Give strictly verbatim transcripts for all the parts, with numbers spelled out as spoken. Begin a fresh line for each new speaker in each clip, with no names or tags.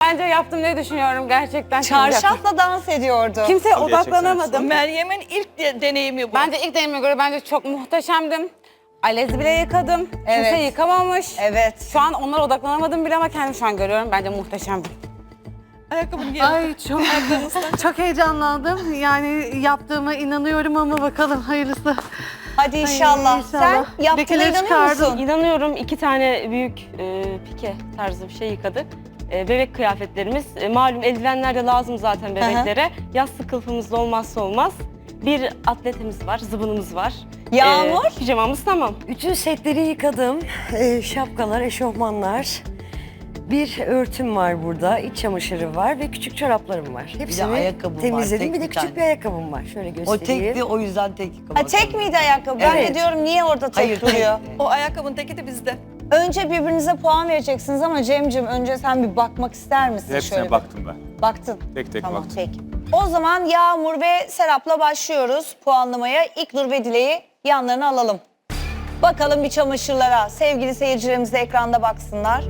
bence yaptım ne düşünüyorum gerçekten.
Çarşafla dans ediyordu.
Kimseye odaklanamadım.
Meryem'in ilk de, deneyimi bu.
Bence ilk deneyime göre bence çok muhteşemdim. Alez bile yıkadım.
Evet.
Kimse yıkamamış.
Evet.
Şu an onlara odaklanamadım bile ama kendimi şu an görüyorum. Bence muhteşemdim.
Ayakkabını giy.
Ay çok, çok heyecanlandım. Yani yaptığıma inanıyorum ama bakalım hayırlısı.
Hadi inşallah.
Ay,
Sen yaptığına
Lekeleri
inanıyor
çıkardım.
musun?
İnanıyorum, iki tane büyük e, pike tarzı bir şey yıkadık. E, bebek kıyafetlerimiz, e, malum eldivenler de lazım zaten bebeklere. Yastık kılıfımız da olmazsa olmaz. Bir atletimiz var, zıbınımız var.
Yağmur?
E, pijamamız tamam.
Bütün setleri yıkadım. Ee, şapkalar, eşofmanlar. Bir örtüm var burada, iç çamaşırı var ve küçük çoraplarım var. Hepsini
ayakkabım var,
temizledim.
tek
bir de
bir
küçük
tane.
bir ayakkabım var. Şöyle
O
göstereyim.
tekti, o yüzden tek yıkamadım.
Ha, tek miydi ayakkabı? Ben de
Evet.
diyorum niye orada tek
Hayır,
duruyor?
tek.
O ayakkabının teki de bizde.
Önce birbirinize puan vereceksiniz ama Cem'cim önce sen bir bakmak ister misin?
Hepsine
şöyle bir?
baktım ben.
Baktın.
Tek tek
Tamam
baktım.
peki. O zaman Yağmur ve Serap'la başlıyoruz puanlamaya. İlknur ve Dile'yi yanlarına alalım. Bakalım bir çamaşırlara. Sevgili seyircilerimiz de ekranda baksınlar.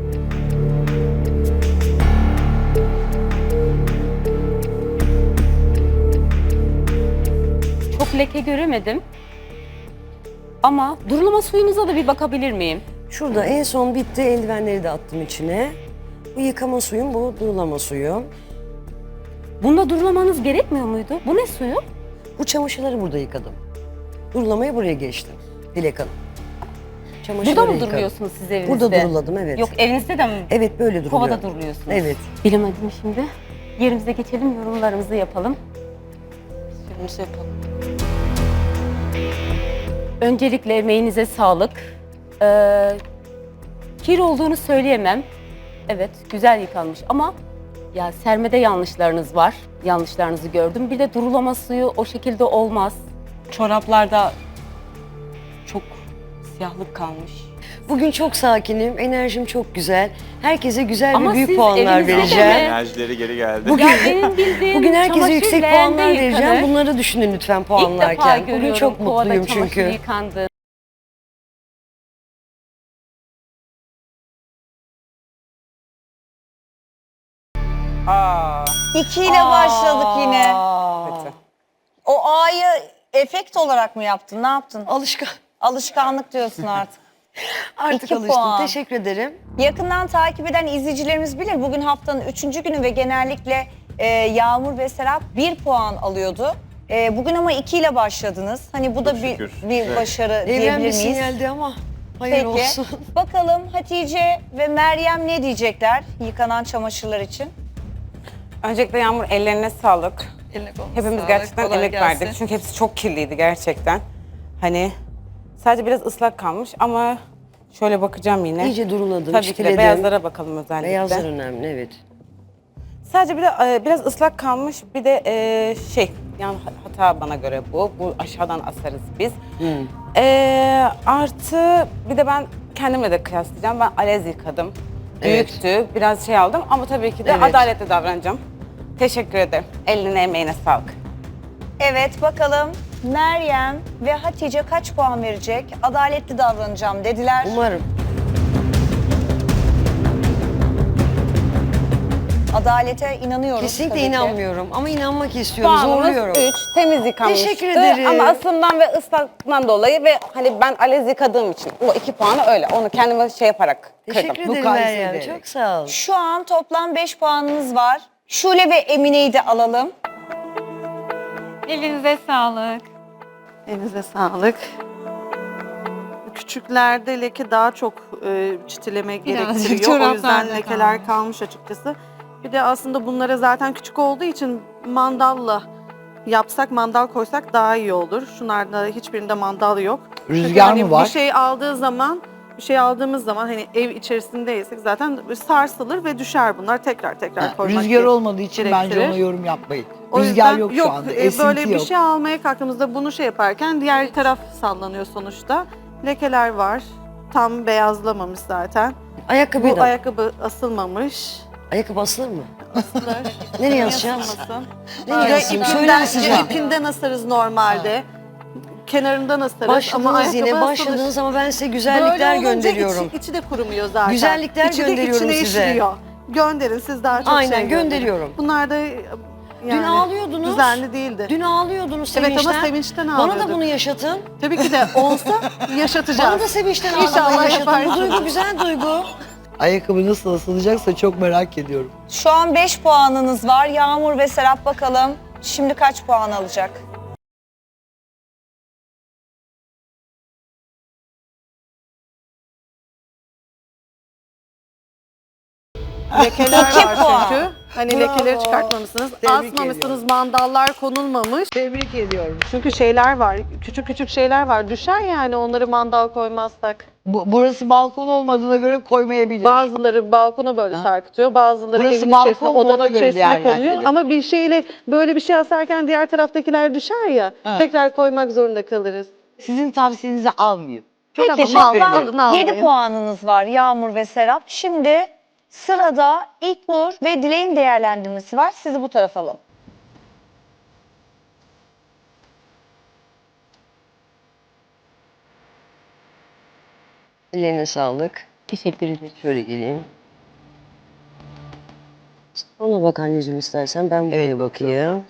Çok leke göremedim. Ama durulama suyumuza da bir bakabilir miyim?
Şurada en son bitti. Eldivenleri de attım içine. Bu yıkama suyum, bu durulama suyu.
Bunda durulamanız gerekmiyor muydu? Bu ne suyu?
Bu çamaşırları burada yıkadım. Durulamaya buraya geçtim. Dilek Hanım. Çamaşırları
Burada mı
yıkadım.
duruluyorsunuz siz evinizde?
Burada duruladım, evet.
Yok, evinizde de mi?
Evet, böyle duruluyor.
Kovada duruluyorsunuz.
Evet.
Bilemedim şimdi. Yerimize geçelim, yorumlarımızı yapalım.
Sürümüzü yapalım.
Öncelikle emeğinize sağlık. Ee, kir olduğunu söyleyemem. Evet, güzel yıkanmış ama ya sermede yanlışlarınız var. Yanlışlarınızı gördüm. Bir de durulama suyu o şekilde olmaz. Çoraplarda çok siyahlık kalmış.
Bugün çok sakinim, enerjim çok güzel. Herkese güzel
Ama
ve büyük
siz
puanlar
evinizde de
vereceğim.
mi?
Enerjileri geri geldi.
Bugün,
Ya benim bildiğim
bugün herkese
çamaşır
yüksek
leğende
puanlar vereceğim.
yıkanır.
Bunları düşünün lütfen
İlk defa
puanlarken. Bugün
görüyorum
çok
kovada
mutluyum
çamaşır
çünkü.
yıkandı.
Aa,
İki ile başladık yine.
kötü.
O A'yı efekt olarak mı yaptın? Ne yaptın?
Alışkan.
Alışkanlık diyorsun artık.
Artık
İki
alıştım.
puan.
Teşekkür ederim.
Yakından takip eden izleyicilerimiz bilir. Bugün haftanın üçüncü günü ve genellikle e, Yağmur ve Serap bir puan alıyordu. E, bugün ama iki ile başladınız. Hani bu da
Çok
bir,
şükür.
bir
Evet.
başarı
Evren
diyebilir
bir
miyiz?
sinyaldi ama hayır
Peki.
olsun.
Bakalım Hatice ve Meryem ne diyecekler yıkanan çamaşırlar için?
Öncelikle Yağmur ellerine sağlık.
Eline koluna
Hepimiz
sağlık,
gerçekten
kolay
emek
gelsin.
verdik. Çünkü hepsi çok kirliydi gerçekten. Hani sadece biraz ıslak kalmış ama şöyle bakacağım yine.
İyice duruladım,
Tabii ki de
çitiledim.
beyazlara bakalım özellikle.
Beyazlar önemli, evet.
Sadece bir de e, biraz ıslak kalmış. Bir de e, şey, yani hata bana göre bu. Bu aşağıdan asarız biz. E, artı bir de ben kendimle de kıyaslayacağım. Ben alez yıkadım.
Evet.
Büyüktü. Biraz şey aldım ama tabii ki de
Evet.
adaletli davranacağım. Teşekkür ederim. Eline emeğine sağlık.
Evet bakalım Meryem ve Hatice kaç puan verecek? Adaletli davranacağım dediler.
Umarım.
Adalete inanıyoruz.
Kesinlikle
tabii ki.
inanmıyorum ama inanmak istiyorum,
Puanımız
zorluyorum.
üç. Temiz yıkanmıştı.
Teşekkür ederim.
Ama asımdan ve ıslaktan dolayı ve hani ben alez yıkadığım için o iki puanı öyle. Onu kendime şey yaparak kırdım.
Teşekkür ederim
Mukayese
Meryem,
ederek.
çok sağ ol.
Şu an toplam beş puanınız var. Şule ve Emine'yi de alalım.
Elinize sağlık. Elinize sağlık. Küçüklerde leke daha çok e, çitileme gerektiriyor. O
çoraplarda
yüzden
kalmış.
lekeler kalmış açıkçası. Bir de aslında bunlara zaten küçük olduğu için mandalla yapsak, mandal koysak daha iyi olur. Şunlarda hiçbirinde mandal yok. Çünkü
Rüzgar
hani
mı var?
Bir şey aldığı zaman, bir şey aldığımız zaman hani ev içerisindeysek zaten sarsılır ve düşer bunlar. Tekrar tekrar
Ha,
koymak
Rüzgar
gerek-
olmadığı için bence
gerektirir.
ona yorum yapmayın.
O
Rüzgar
yüzden
yok şu anda,
e,
esinti
böyle bir
yok.
şey almaya kalktığımızda bunu şey yaparken diğer taraf sallanıyor sonuçta. Lekeler var. Tam beyazlamamış zaten.
Ayakkabıyı
Bu
da.
ayakkabı asılmamış.
Ayakkabı asılır mı?
Asılır.
Nereye asacağız?
Asılmasın.
Nereye
Ya
asayım?
ipinden,
Söyle asacağım.
ya ipinden asarız normalde. Kenarından asarız ama
Başladınız
ayakkabı
yine,
asılır.
başladınız ama ben size güzellikler
Böyle olunca
gönderiyorum.
Içi, içi de kurumuyor zaten.
Güzellikler
İçi de
gönderiyorum
içine
size.
işliyor. Gönderin siz daha çok
Aynen,
şey gönderin.
gönderiyorum.
Bunlar da e, yani
Dün ağlıyordunuz.
düzenli değildi.
Dün ağlıyordunuz
Evet,
sevinçten.
ama sevinçten
Bana da
ağlıyorduk.
bunu yaşatın.
Tabii ki de olsa yaşatacağız.
Bana da sevinçten
İnşallah
ağlamayı yaşatın. Bu
yaparsınız.
duygu güzel duygu.
Ayakkabı nasıl asılacaksa çok merak ediyorum.
Şu an beş puanınız var. Yağmur ve Serap bakalım şimdi kaç puan alacak?
Lekeler
İki
var
puan.
çünkü. Hani
Bravo.
lekeleri çıkartmamışsınız.
Tebrik
Asmamışsınız, mandallar konulmamış.
Tebrik ediyorum.
Çünkü şeyler var, küçük küçük şeyler var. Düşer yani onları mandal koymazsak.
Bu, burası balkon olmadığına göre koymayabilir.
Bazıları balkona böyle
Ha.
sarkıtıyor, bazıları
Burası
evin
balkon
içerisinde,
mu, ona
odanın
göre
içerisinde
değerlendirelim.
kalıyor. Ama bir şeyle böyle bir şey asarken diğer taraftakiler düşer ya,
Ha.
tekrar koymak zorunda kalırız.
Sizin tavsiyenizi almayayım.
Peki
Tamam, alın,
toplam
alın, alın.
yedi puanınız var Yağmur ve Serap. Şimdi sırada İlknur ve Dilek'in değerlendirmesi var. Sizi bu tarafa alalım.
Ellerine sağlık.
Teşekkür ederim.
Şöyle geleyim. Ona bak anneciğim istersen ben
Evet,
buraya bakayım.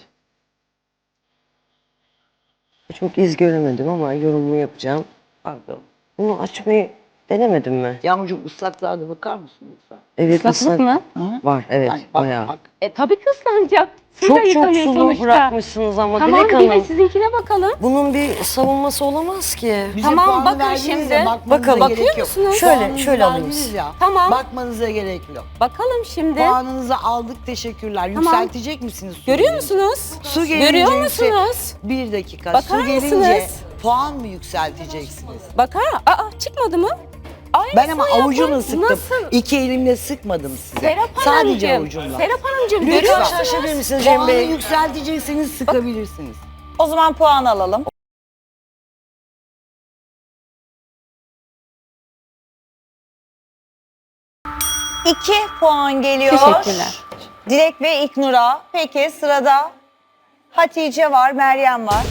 Çok iz göremedim ama yorumumu yapacağım.
Pardon.
Bunu açmayı denemedim mi?
Yağmurcuğum ıslaklığa da bakar mısın lütfen?
Evet,
Islaklık
ıslak
mı?
var. Evet,
Ay, bak,
bayağı.
bak.
E tabii ki ıslanacak. Siz de
Çok çok
yıkanıyor
sulu
sonuçta.
bırakmışsınız ama
Tamam,
Dilek
bir de
Hanım.
sizinkine bakalım.
Bunun bir savunması olamaz ki.
Bize
Tamam,
puan
bakın
verdiniz
şimdi.
ya, bakmanıza
Bakalım.
gerek
Bakıyor
yok.
musunuz?
Şöyle,
Puanınızı
şöyle alayım.
verdiniz ya.
Tamam.
Bakmanıza gerek yok.
Bakalım şimdi.
Puanınızı aldık, teşekkürler.
Tamam.
Yükseltecek misiniz? su
Görüyor
gelince?
musunuz?
Su gelince
Görüyor
yüksek-
musunuz?
Bir dakika.
Bakar
Su gelince
mısınız?
puan mı yükselteceksiniz?
Bakar. Aa, çıkmadı mı? Aynısını
Ben ama
yapın.
avucumla sıktım.
Nasıl?
İki elimle sıkmadım size.
Serap
Sadece
Hanımcığım.
avucumla.
Serap Hanımcığım
Lütfen.
görüyor
Lütfen
musunuz?
şaşabilir misiniz Cem
Puanı
Bey?
yükseltecekseniz sıkabilirsiniz.
O zaman puan alalım. İki puan geliyor.
Teşekkürler.
Dilek ve İlknur'a. Peki sırada Hatice var, Meryem var.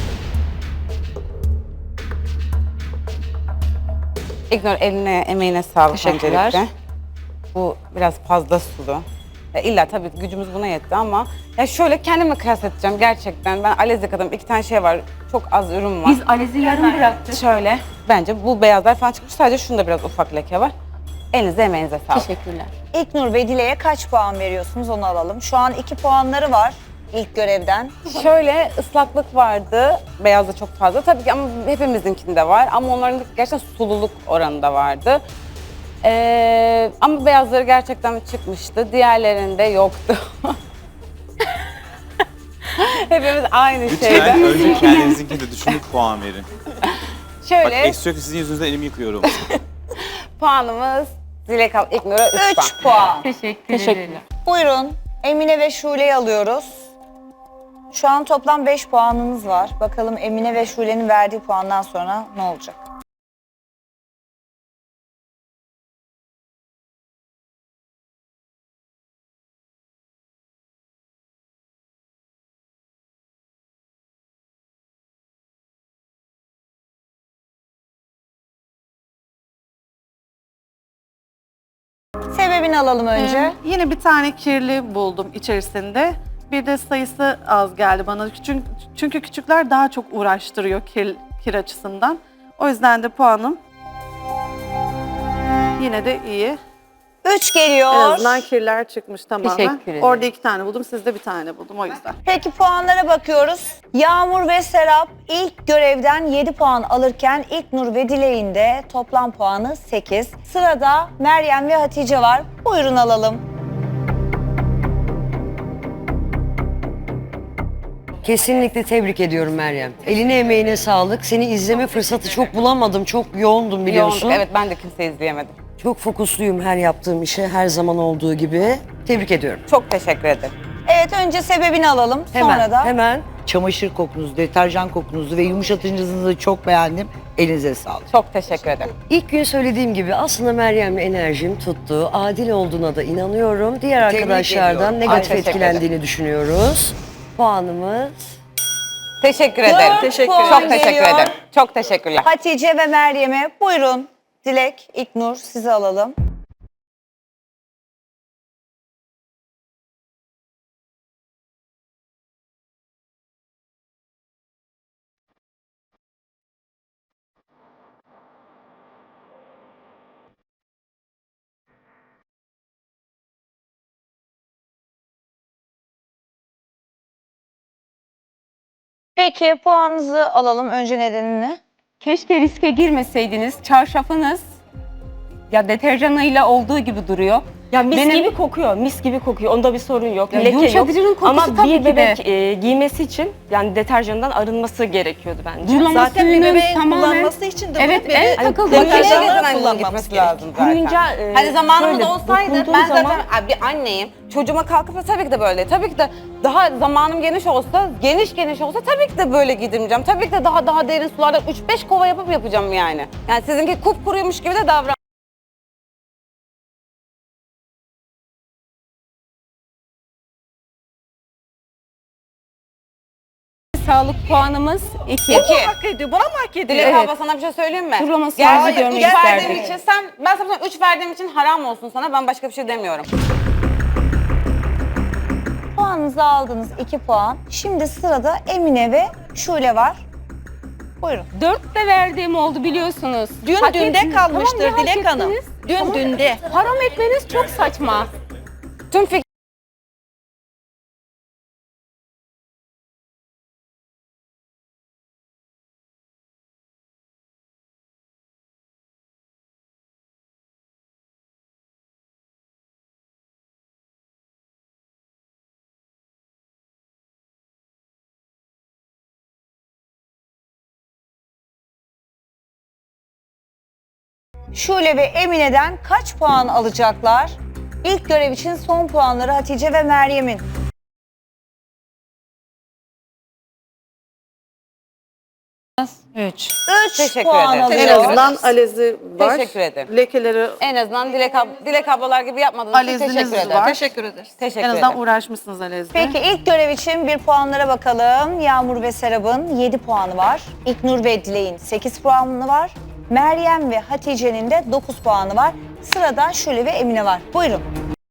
İgnor eline, emeğine sağlık
Teşekkürler.
öncelikle. Bu biraz fazla sulu. Ya illa tabii ki gücümüz buna yetti ama ya şöyle kendime kıyas edeceğim gerçekten. Ben alez yıkadım. İki tane şey var. Çok az ürün var.
Biz Alez'i yarım bıraktık.
Şöyle bence bu beyazlar falan çıkmış. Sadece şunda biraz ufak leke var. Elinize emeğinize sağlık.
Teşekkürler.
İlknur ve Dilek'e kaç puan veriyorsunuz onu alalım. Şu an iki puanları var ilk görevden.
Şöyle ıslaklık vardı. Beyazda çok fazla. Tabii ki ama hepimizinkinde var. Ama onların gerçekten sululuk oranında vardı. Ee, ama beyazları gerçekten çıkmıştı. Diğerlerinde yoktu. Hepimiz aynı
Lütfen
şeyde.
önce kendinizinkini de düşünüp puan verin. Bak
Şöyle
eksi yok sizin yüzünüzden elimi yıkıyorum.
puanımız Dilek Al İknur'a üç puan.
üç puan.
Teşekkür ederim.
Buyurun Emine ve Şule'yi alıyoruz. Şu an toplam beş puanınız var. Bakalım Emine ve Şule'nin verdiği puandan sonra ne olacak? Sebebini alalım önce.
Ee, yine bir tane kirli buldum içerisinde. Bir de sayısı az geldi bana. Çünkü, çünkü küçükler daha çok uğraştırıyor kir, kir açısından. O yüzden de puanım yine de iyi.
Üç geliyor.
En azından kirler çıkmış tamamen.
Teşekkür ederim.
Orada iki tane buldum, sizde bir tane buldum o yüzden.
Peki puanlara bakıyoruz. Yağmur ve Serap ilk görevden yedi puan alırken İlknur ve Dilek'in de toplam puanı sekiz. Sırada Meryem ve Hatice var. Buyurun alalım.
Kesinlikle tebrik ediyorum Meryem. Eline emeğine sağlık. Seni izleme fırsatı çok bulamadım. Çok yoğundum biliyorsun.
Yoğunluk. Evet ben de kimseyi izleyemedim.
Çok fokusluyum her yaptığım işe, her zaman olduğu gibi. Tebrik ediyorum.
Çok teşekkür ederim.
Evet önce sebebini alalım.
Hemen,
Sonra da
hemen.
Çamaşır kokunuzu, deterjan kokunuzu ve yumuşatıcınızı çok beğendim. Elinize sağlık.
Çok teşekkür ederim.
İlk gün söylediğim gibi aslında Meryem'le enerjim tuttu. Adil olduğuna da inanıyorum. Diğer
Tebrik
arkadaşlardan
ediyorum.
negatif
Ay, teşekkür
etkilendiğini düşünüyoruz. Puanımız
Teşekkür ederim.
Teşekkür
Çok
ederim.
teşekkür
Geliyor.
ederim. Çok teşekkürler.
Hatice ve Meryem'e buyurun. Dilek, İlknur sizi alalım. Peki puanınızı alalım önce nedenini.
Keşke riske girmeseydiniz. Çarşafınız ya deterjanıyla olduğu gibi duruyor.
Ya mis
Benim-
gibi kokuyor, mis gibi kokuyor. Onda bir sorun yok,
Ya
leke yok.
yumuşatıcının kokusu
Ama
tabii ki
bir
de.
bebek e, giymesi için yani deterjandan arınması gerekiyordu bence.
Durulama
Zaten bir
suyunun
bebeğin
tamamen...
kullanması için de
Evet,
bebek
en takıldığı
deterjanlar
Makineye
şey-
getiren
kullanmamız
gitmesi
gerekiyor.
lazım zaten.
Kuruyunca e,
Hani zamanımız
şöyle
olsaydı
dokunduğu
ben
zaman-
zaten bir anneyim. Çocuğuma kalkıp da tabii ki de böyle. Tabii ki de daha zamanım geniş olsa, geniş geniş olsa tabii ki de böyle giydirmeyeceğim. Tabii ki de daha daha derin sularda üç beş kova yapıp yapacağım yani. Yani sizinki kupkuruymuş gibi de davran.
Sağlık puanımız iki.
İki.
Hak ediyor. Bana mı hak ediyor?
Dilek
Evet.
abla sana bir şey söyleyeyim mi?
Durulama
Gerçekten
suyunuzu görmek
üç verdiğim
isterdik.
için sen, ben sana üç verdiğim için haram olsun sana. Ben başka bir şey demiyorum.
Puanınızı aldınız iki puan. Şimdi sırada Emine ve Şule var. Buyurun.
Dört de verdiğim oldu biliyorsunuz.
Dün
Hak
dünde
ettiniz.
kalmıştır
Tamam, ne hak
Dilek Hanım.
ettiniz?
Dün
Ama
dünde.
Haram etmeniz çok saçma.
Tüm fikir
Şule ve Emine'den kaç puan alacaklar? İlk görev için son puanları Hatice ve Meryem'in.
Üç.
üç
Teşekkür
puan
ederim.
En
alıyor.
azından alezi var.
Teşekkür ederim.
Lekeleri
En azından Dilek, ab- Dilek ablalar gibi yapmadığınız için
Aleziniz
teşekkür ederim.
var.
Teşekkür ederiz.
Teşekkür
en azından
ederim.
uğraşmışsınız alezde.
Peki ilk görev için bir puanlara bakalım. Yağmur ve Serap'ın yedi puanı var. İlknur ve Dilek'in sekiz puanı var. Meryem ve Hatice'nin de dokuz puanı var. Sırada Şule ve Emine var. Buyurun.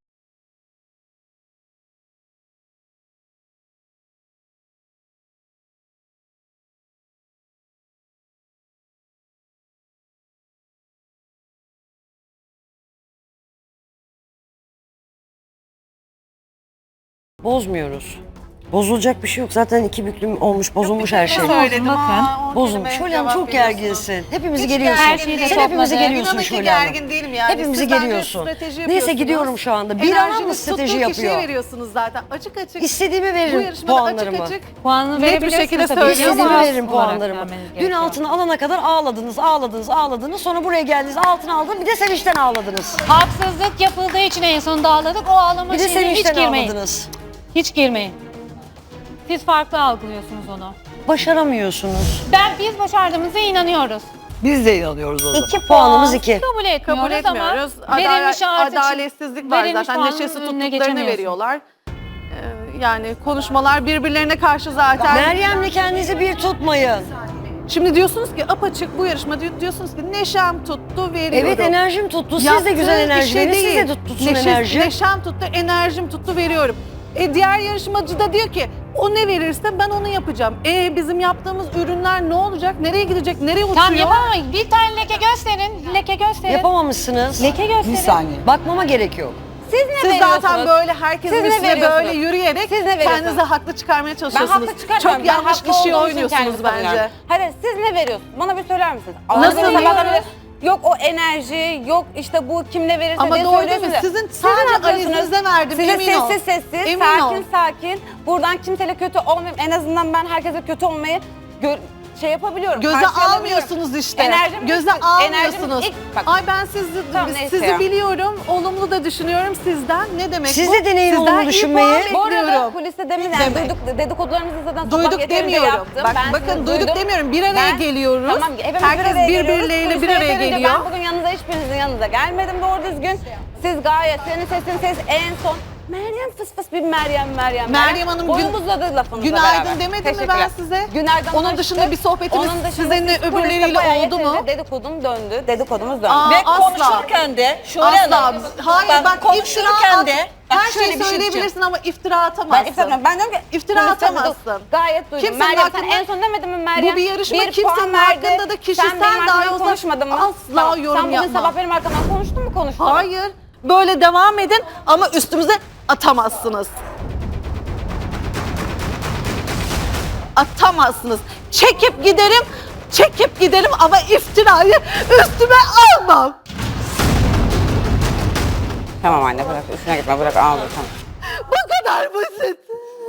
Bozmuyoruz. Bozulacak bir şey yok. Zaten iki büklüm olmuş, bozulmuş her şey.
Söyledim bakın.
Bozulmuş. Şöyle Hanım çok gerginsin. Hepimizi geriyorsun.
gergin değilim.
Sen hepimizi geriyorsun
İnanın ki
Şöyle Hanım.
gergin değilim yani.
Hepimizi
Siz bence
geriyorsun.
strateji
Neyse
yapıyorsunuz.
gidiyorum şu anda. Bir ana mı
Enerjiniz
strateji
tuttuğu kişiye
yapıyor?
veriyorsunuz zaten. Açık açık.
İstediğimi
Bu
veririm
yarışmada
puanlarımı.
açık açık
Puanını
net bir şekilde söylüyorum
İstediğimi
ama
veririm puanlarımı. Dün altını alana kadar ağladınız, ağladınız, ağladınız. Sonra buraya geldiniz, altını aldınız. Bir de sevinçten ağladınız.
Haksızlık yapıldığı için en sonunda ağladık. O ağlama
Bir de
şeyine hiç
sevinçten
girmeyin.
ağladınız.
Hiç girmeyin. Siz farklı algılıyorsunuz onu.
Başaramıyorsunuz.
Ben biz başardığımıza inanıyoruz.
Biz de inanıyoruz o zaman.
İki
Puanımız
puan.
iki.
Kabul etmiyoruz,
kabul etmiyoruz.
ama verilmiş
Adale-
artık
adaletsizlik var
verilmiş
zaten.
puanın
Neşesi
önüne
tuttuklarını
geçemiyorsun.
veriyorlar. Ee, yani konuşmalar birbirlerine karşı zaten.
Meryem'le kendinizi bir tutmayın.
Şimdi diyorsunuz ki apaçık bu yarışma diyor- diyorsunuz ki neşem tuttu veriyorum.
Evet enerjim tuttu. Siz de
Yaptığı
güzel enerji
işe
verin. Siz
değil.
de tut- tutsun
Neşe-
enerji.
Neşem tuttu, enerjim tuttu veriyorum. E diğer yarışmacı da diyor ki o ne verirse ben onu yapacağım. E bizim yaptığımız ürünler ne olacak? Nereye gidecek? Nereye uçuyor?
Tamam yapamayız. Bir tane leke gösterin. Leke gösterin.
Yapamamışsınız.
Leke gösterin.
Bir saniye.
Bakmama gerek yok.
Siz ne
Siz
veriyorsunuz?
zaten böyle herkesin
Siz ne
üstüne
veriyorsunuz?
böyle yürüyerek
Siz ne veriyorsunuz?
kendinize haklı çıkarmaya
Ben
çalışıyorsunuz.
haklı çıkartmıyorum.
Çok
Ben
yanlış
haklı
kişiye
olduğum için
oynuyorsunuz
kendimi
bence.
savunuyorum. Hadi siz ne veriyorsunuz? Bana bir söyler misiniz?
Nasıl
Ağzınıza
veriyoruz?
bakabilir- Yok o enerji, yok işte bu kim ne verirse
Ama
diye
doğru değil mi?
söylüyorsunuz.
Sizin
Siz
sadece
ne yapıyorsunuz?
Ali'nizden verdim,
Size
emin ol.
sessiz sessiz,
Emin
sakin
ol.
sakin. Buradan kimseyle kötü olmayayım. En azından ben herkese kötü olmayı gör- şey yapabiliyorum.
Göze
karşılayabiliyorum.
almıyorsunuz işte.
Enerjim
Göze
ilk-
almıyorsunuz.
enerjim ilk- bak-
Ay ben sizi
Tamam, neyse
sizi
ya.
biliyorum. Olumlu da düşünüyorum sizden. Ne demek
Siz
bu?
de deneyin
Sizden
olumlu
iyi
düşünmeyi.
puan
Bu arada
bekliyorum.
kuliste demin yani
Demek.
duyduk, dedikodularımızı zaten sabah
Duyduk
yeterince
demiyorum.
yaptım.
Bak
Ben
bakın
sizi
duyduk
duydum.
demiyorum. Bir araya
Ben-
geliyoruz.
Tamam, hepimiz
Herkes
bir araya geliyoruz.
birbirleriyle bir
Kulise
araya
yeterince
geliyor.
Ben bugün yanınıza hiçbirinizin yanınıza gelmedim doğru düzgün. Siz gayet senin sesin ses en son. Meryem fıs fıs bir Meryem Meryem.
Meryem Hanım, gün-
Boyum uzadı lafınızla
Günaydın
beraber.
demedim mi ben
Teşekkürler.
size?
Günaydın.
Onun dışında bir sohbetimiz sizinle
siz
öbürleriyle
kuliste bayağı
oldu mu?
yeterince Dedikodum döndü. Dedikodumuz döndü.
Aa,
Ve
asla.
konuşurken de Şule
Asla.
Hanım,
Hayır bak, iftira
konuşurken
at.
de bak
Her
şöyle
şeyi
bir şey
söyleyebilirsin ama iftira
Ben
atamazsın.
iftira Ben diyorum ki
İftira
kuliste
atamazsın.
duydum. Gayet duydum.
Kimsenin
Meryem sen
hakkında-
en son demedin mi Meryem?
Bu bir yarışma,
Bir
kimsenin
puan verdi.
hakkında da kişisel
Sen benim
dahi
arkamdan
olsa
konuşmadın mı?
asla
Tamam,
yorum
Sen bugün
yapmam.
sabah benim arkamdan konuştun mu konuşmadın?
Hayır. Böyle devam edin ama üstümüze atamazsınız.
atamazsınız. Çekip giderim, çekip giderim ama iftirayı üstüme almam.
Tamam anne bırak üstüne gitme bırak ağla tamam.
Bu kadar basit.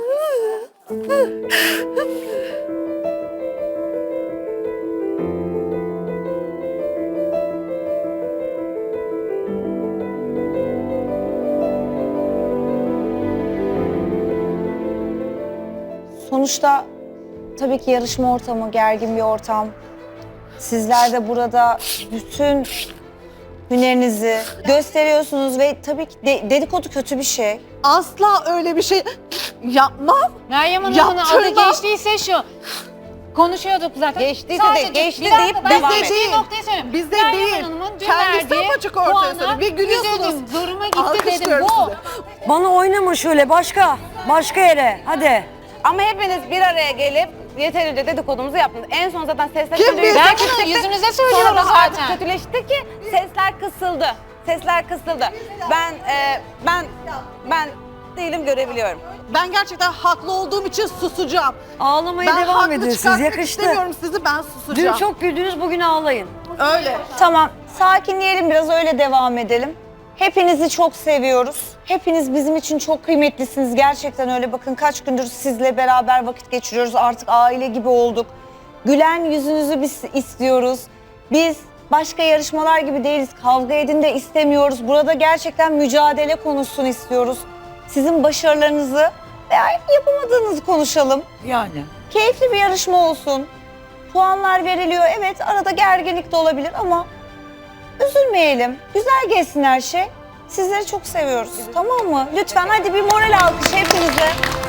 Sonuçta tabii ki yarışma ortamı, gergin bir ortam. Sizler de burada bütün hünerinizi gösteriyorsunuz ve tabii ki de- dedikodu kötü bir şey.
Asla öyle bir şey yapmam.
Meryem Hanım'ın adı
Yaptırmam.
geçtiyse şu. Konuşuyorduk zaten.
Geçtiyse de
Sadece
geçti
bir dakika,
deyip
ben
devam
size
et.
geçtiği noktayı söyleyeyim.
Bizde
Meryem
değil.
Hanım'ın dün
Kendisi
verdiği
apaçık ortaya
puana
söylüyor. Bir gülüyorsunuz.
üzüldüm, zoruma gitti dedim.
Alkışlıyorum
Bu.
sizi.
Bana oynama şöyle başka. Başka yere. Hadi.
Ama hepiniz bir araya gelip yeterince dedikodumuzu yaptınız. En son zaten sesler
Kim
kötüydü.
bilir?
Ben bunu yüzünüze
Sonra
söylüyorum
da artık
zaten.
kötüleşti ki sesler kısıldı. Sesler kısıldı. Ben e, ben ben değilim görebiliyorum.
Ben gerçekten haklı olduğum için susacağım.
Ağlamaya
Ben
devam
haklı
edin siz.
çıkartmak
Yakıştı.
istemiyorum sizi, ben
Dün
susacağım.
çok güldünüz, bugün ağlayın.
Öyle.
Tamam, sakinleyelim biraz, öyle devam edelim. Hepinizi çok seviyoruz. Hepiniz bizim için çok kıymetlisiniz. Gerçekten öyle. Bakın kaç gündür sizle beraber vakit geçiriyoruz. Artık aile gibi olduk. Gülen yüzünüzü biz istiyoruz. Biz başka yarışmalar gibi değiliz. Kavga edin de istemiyoruz. Burada gerçekten mücadele konusunu istiyoruz. Sizin başarılarınızı veya yapamadığınızı konuşalım.
Yani.
Keyifli bir yarışma olsun. Puanlar veriliyor. Evet, arada gerginlik de olabilir ama üzülmeyelim. Güzel geçsin her şey. Sizleri çok seviyoruz. Tamam mı? Lütfen hadi bir moral alkış hepinize.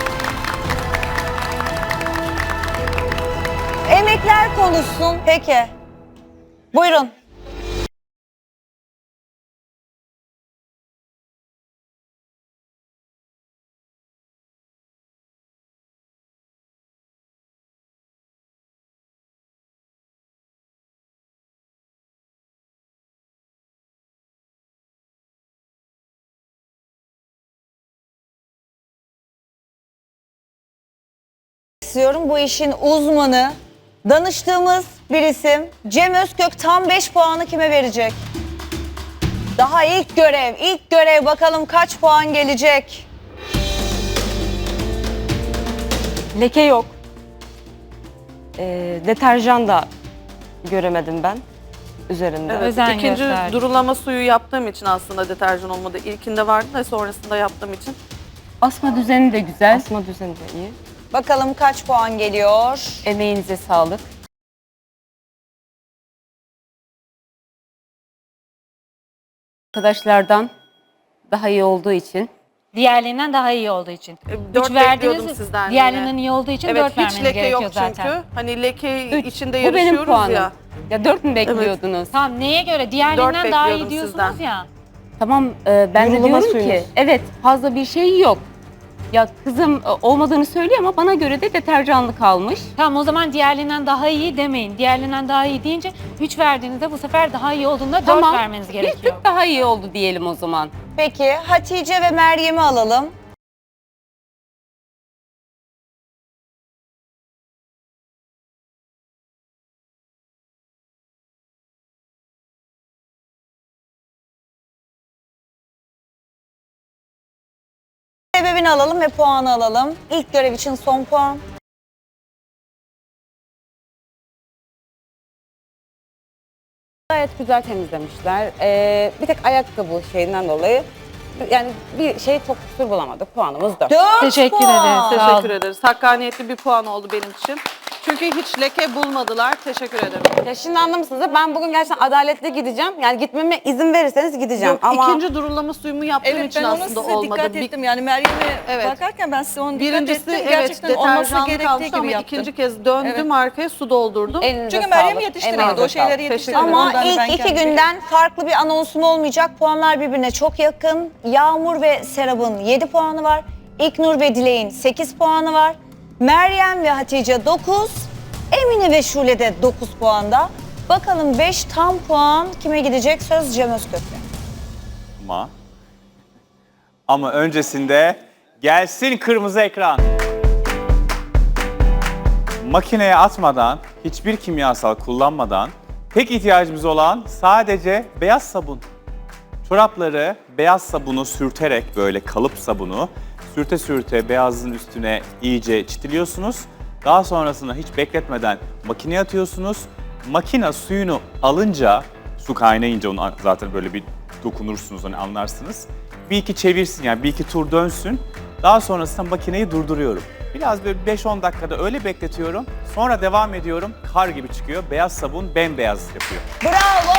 Emekler konuşsun. Peki. Buyurun. istiyorum. Bu işin uzmanı, danıştığımız bir isim. Cem Özkök tam beş puanı kime verecek? Daha ilk görev, ilk görev, bakalım kaç puan gelecek?
Leke yok. Ee, deterjan da göremedim ben üzerinde.
Evet,
Özen
ikinci
gösterdi.
durulama suyu yaptığım için aslında deterjan olmadı. İlkinde vardı da sonrasında yaptığım için.
Asma düzeni de güzel.
Asma düzeni de iyi.
Bakalım kaç puan geliyor?
Emeğinize sağlık. Arkadaşlardan daha iyi olduğu için.
Diğerlerinden daha iyi olduğu için.
E, dört
Üç verdiğiniz,
bekliyordum sizden
diğerlerinden
yine.
iyi olduğu için
Evet,
dört
hiç
vermeniz
leke
gerekiyor
yok çünkü.
zaten.
Hani leke
Üç.
içinde
Bu benim
yarışıyoruz
puanım.
ya.
Ya dört mü bekliyordunuz?
Tamam, neye göre? Diğerlerinden daha iyi
bekliyordum
diyorsunuz
sizden.
ya.
Tamam e, ben de
Yorulama
diyorum
suyunuz.
ki evet fazla bir şey yok. Ya kızım e, olmadığını söylüyor ama bana göre de deterjanlı kalmış.
Tamam, o zaman diğerlerinden daha iyi demeyin. Diğerlerinden daha iyi deyince üç verdiğinizde bu sefer daha iyi olduğunda dört
Tamam.
vermeniz
Bir
gerekiyor.
tık daha iyi oldu diyelim o zaman.
Peki Hatice ve Meryem'i alalım. Sebebini alalım ve puanı alalım. İlk görev için son puan.
Gayet güzel temizlemişler. Ee, bir tek ayakkabı şeyinden dolayı yani bir şey çok kusur bulamadık. Puanımız dört.
Dört
Teşekkür
puan.
ederiz. Sağ
Teşekkür
olun.
ederiz. Hakkaniyetli bir puan oldu benim için. Çünkü hiç leke bulmadılar. Teşekkür ederim.
Ya şimdi anlamışsınız da ben bugün gerçekten adaletli gideceğim. Yani gitmeme izin verirseniz gideceğim.
Yok,
Ama
ikinci durulama suyumu yaptığım
Evet,
için
ben ona
aslında
size
olmadı.
dikkat
Bir-
ettim. Yani Meryem'e
Evet.
bakarken ben size onu dikkat
Birincisi
ettim.
evet
Gerçekten olması
deterjanlı
gerektiği
kalmıştı
gibi
ama
yaptım.
ikinci kez döndüm
Evet.
arkaya su doldurdum.
elinize
Çünkü Meryem
sağlık,
yetiştiremedi.
emeğinize
O şeyleri
sağlık.
yetiştiremedi.
Ama
Ondan ben
ilk iki
kendim-
günden farklı bir anonsum olmayacak. Puanlar birbirine çok yakın. Yağmur ve Serap'ın yedi puanı var. İlknur ve Dilek'in sekiz puanı var. Meryem ve Hatice dokuz. Emine ve Şule de dokuz puanda. Bakalım beş tam puan kime gidecek? Söz Cem Özkök'te.
Ama, ama öncesinde gelsin kırmızı ekran. makineye atmadan, hiçbir kimyasal kullanmadan tek ihtiyacımız olan sadece beyaz sabun. Çorapları beyaz sabunu sürterek böyle kalıp sabunu sürte sürte beyazın üstüne iyice çitiliyorsunuz. Daha sonrasında hiç bekletmeden makineye atıyorsunuz. Makine suyunu alınca, su kaynayınca onu zaten böyle bir dokunursunuz, hani anlarsınız. Bir iki çevirsin, yani bir iki tur dönsün. Daha sonrasında makineyi durduruyorum. Biraz böyle beş on dakikada öyle bekletiyorum. Sonra devam ediyorum. Kar gibi çıkıyor. Beyaz sabun bembeyaz yapıyor.
Bravo.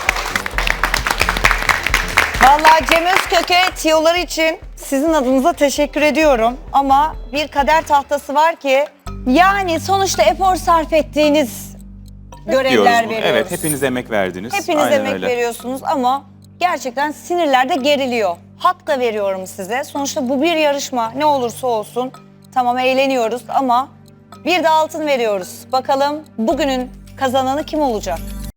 Vallahi Cem Özkök'e tiyoları için sizin adınıza teşekkür ediyorum. Ama bir kader tahtası var ki, yani sonuçta efor sarf ettiğiniz görevler
Diyoruz bunu.
veriyoruz.
Evet, hepiniz emek verdiniz.
Hepiniz
Aynen
emek
öyle.
veriyorsunuz ama gerçekten sinirler de geriliyor. Hak da veriyorum size. Sonuçta bu bir yarışma. Ne olursa olsun tamam eğleniyoruz ama bir de altın veriyoruz. Bakalım bugünün kazananı kim olacak?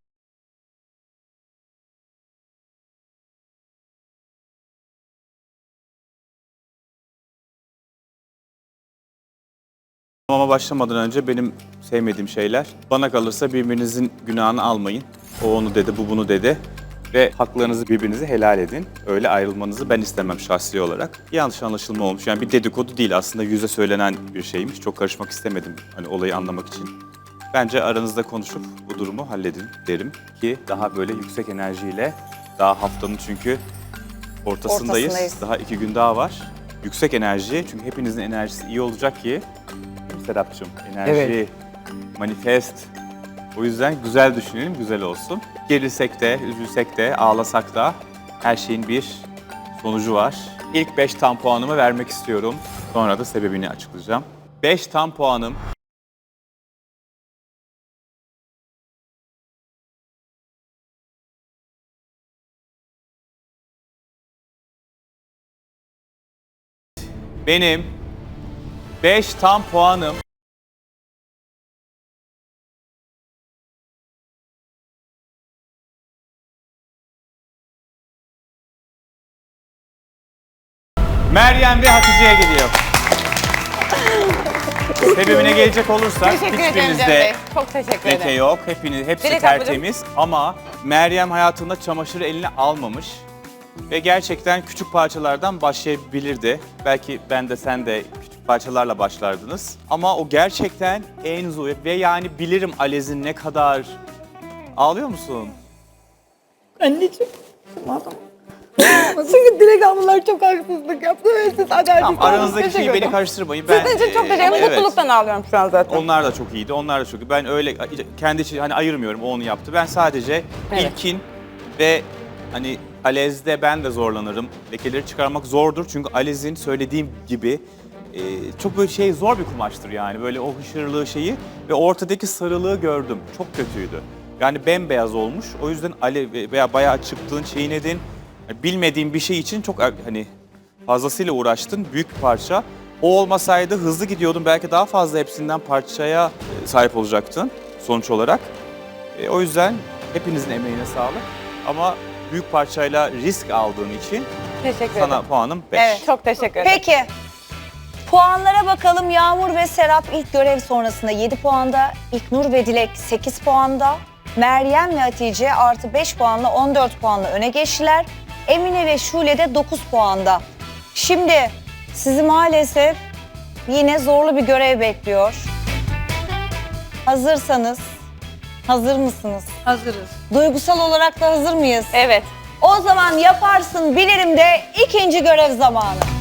Ama başlamadan önce benim sevmediğim şeyler, bana kalırsa birbirinizin günahını almayın. O onu dedi, bu bunu dedi. Ve haklarınızı birbirinize helal edin. Öyle ayrılmanızı ben istemem şahsi olarak. Yanlış anlaşılma olmuş. Yani bir dedikodu değil, aslında yüze söylenen bir şeymiş. Çok karışmak istemedim hani olayı anlamak için. Bence aranızda konuşup bu durumu halledin derim ki daha böyle yüksek enerjiyle, daha haftanın çünkü ortasındayız.
Ortasındayız.
Daha iki gün daha var. Yüksek enerji, çünkü hepinizin enerjisi iyi olacak ki. Serapcığım, enerji,
Evet.
manifest. O yüzden güzel düşünelim, güzel olsun. Gerilsek de, üzülsek de, ağlasak da her şeyin bir sonucu var. İlk beş tam puanımı vermek istiyorum. Sonra da sebebini açıklayacağım. beş tam puanım. Benim beş tam puanım Meryem ve Hatice'ye gidiyor. Sebebine gelecek olursak
Teşekkür ederim Cem
hiçbirinizde
Bey. Çok teşekkür
leke
ederim.
yok. Hepiniz, hepsi
Direkt
tertemiz ama Meryem hayatında çamaşırı eline almamış. Ve gerçekten küçük parçalardan başlayabilirdi. Belki ben de sen de küçük parçalarla başlardınız. Ama o gerçekten en zor ve yani bilirim Alez'in ne kadar... Ağlıyor musun?
Anneciğim. Çünkü direkt ablalar çok haksızlık yaptı ve siz adaletli
Tamam, aranızdaki şeyi beni karıştırmayın. Ben,
Sizin için çok
e,
teşekkür ederim.
evet.
Mutluluktan ağlıyorum şu an zaten.
Onlar da çok iyiydi, onlar da çok iyi. Ben öyle kendi için hani ayırmıyorum, o onu yaptı. Ben sadece
Evet.
ilkin ve hani Alez'de ben de zorlanırım. Lekeleri çıkarmak zordur çünkü Alez'in söylediğim gibi e, çok böyle şey zor bir kumaştır yani. Böyle o hışırlığı şeyi ve ortadaki sarılığı gördüm. Çok kötüydü. Yani bembeyaz olmuş. O yüzden Ale veya bayağı çıktığın çiğnedin. Yani bilmediğin bir şey için çok hani fazlasıyla uğraştın. Büyük bir parça. O olmasaydı hızlı gidiyordun. Belki daha fazla hepsinden parçaya e, sahip olacaktın sonuç olarak. E, o yüzden hepinizin emeğine sağlık. Ama büyük parçayla risk aldığın için
Teşekkür
sana
ederim.
puanım beş.
Evet.
Çok teşekkür ederim.
Peki. Puanlara bakalım. Yağmur ve Serap ilk görev sonrasında yedi puanda. İlknur ve Dilek sekiz puanda. Meryem ve Hatice artı beş puanla on dört puanla öne geçtiler. Emine ve Şule de dokuz puanda. Şimdi sizi maalesef yine zorlu bir görev bekliyor. Hazırsanız, hazır mısınız?
Hazırız.
Duygusal olarak da hazır mıyız?
Evet.
O zaman yaparsın bilirim de ikinci görev zamanı.